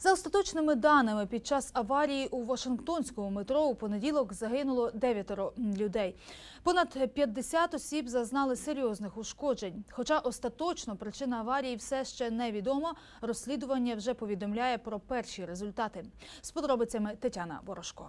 За остаточними даними, під час аварії у Вашингтонському метро у понеділок загинуло 9 людей. Понад 50 осіб зазнали серйозних ушкоджень. Хоча остаточно причина аварії все ще невідома, розслідування вже повідомляє про перші результати. З подробицями Тетяна Ворожко.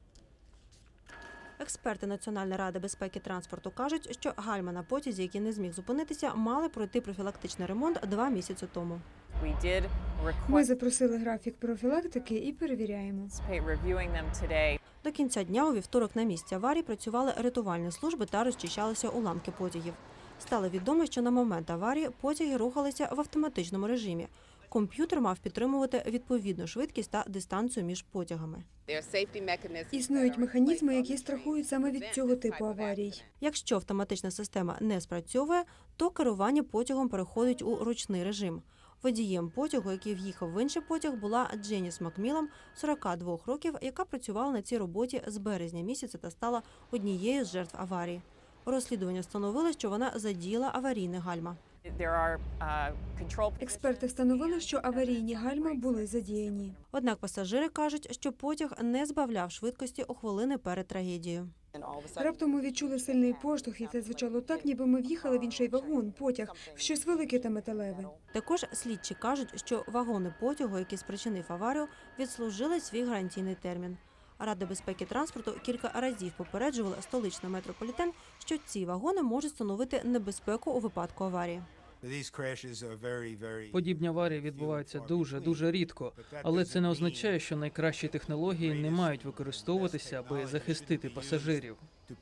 Експерти Національної ради безпеки транспорту кажуть, що гальма на потязі, який не зміг зупинитися, мали пройти профілактичний ремонт 2 місяці тому. Ми запросили графік профілактики і перевіряємо. До кінця дня у вівторок на місці аварії працювали рятувальні служби та розчищалися уламки потягів. Стало відомо, що на момент аварії потяги рухалися в автоматичному режимі. Комп'ютер мав підтримувати відповідну швидкість та дистанцію між потягами. Існують механізми, які страхують саме від цього типу аварій. Якщо автоматична система не спрацьовує, то керування потягом переходить у ручний режим. Водієм потягу, який в'їхав в інший потяг, була Дженіс Макміллан, 42 років, яка працювала на цій роботі з березня місяця та стала однією з жертв аварії. Розслідування встановило, що вона задіяла аварійне гальма. Експерти встановили, що аварійні гальма були задіяні. Однак пасажири кажуть, що потяг не збавляв швидкості у хвилини перед трагедією. Раптом ми відчули сильний поштовх, і це звучало так, ніби ми в'їхали в інший вагон, потяг, в щось велике та металеве. Також слідчі кажуть, що вагони потягу, який спричинив аварію, відслужили свій гарантійний термін. Рада безпеки транспорту кілька разів попереджувала столичний метрополітен, що ці вагони можуть становити небезпеку у випадку аварії. Подібні аварії відбуваються дуже рідко, але це не означає, що найкращі технології не мають використовуватися, аби захистити пасажирів.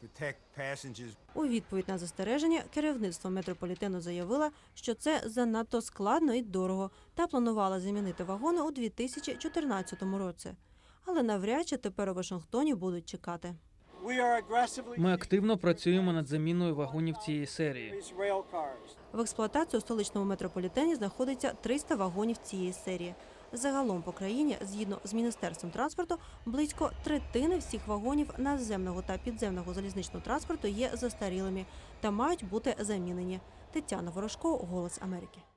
У відповідь на застереження керівництво метрополітену заявило, що це занадто складно і дорого, та планувало замінити вагони у 2014 році. Але навряд чи тепер у Вашингтоні будуть чекати. Ми активно працюємо над заміною вагонів цієї серії. В експлуатації у столичному метрополітені знаходиться 300 вагонів цієї серії. Загалом по країні, згідно з Міністерством транспорту, близько третини всіх вагонів наземного та підземного залізничного транспорту є застарілими та мають бути замінені. Тетяна Ворожко, «Голос Америки».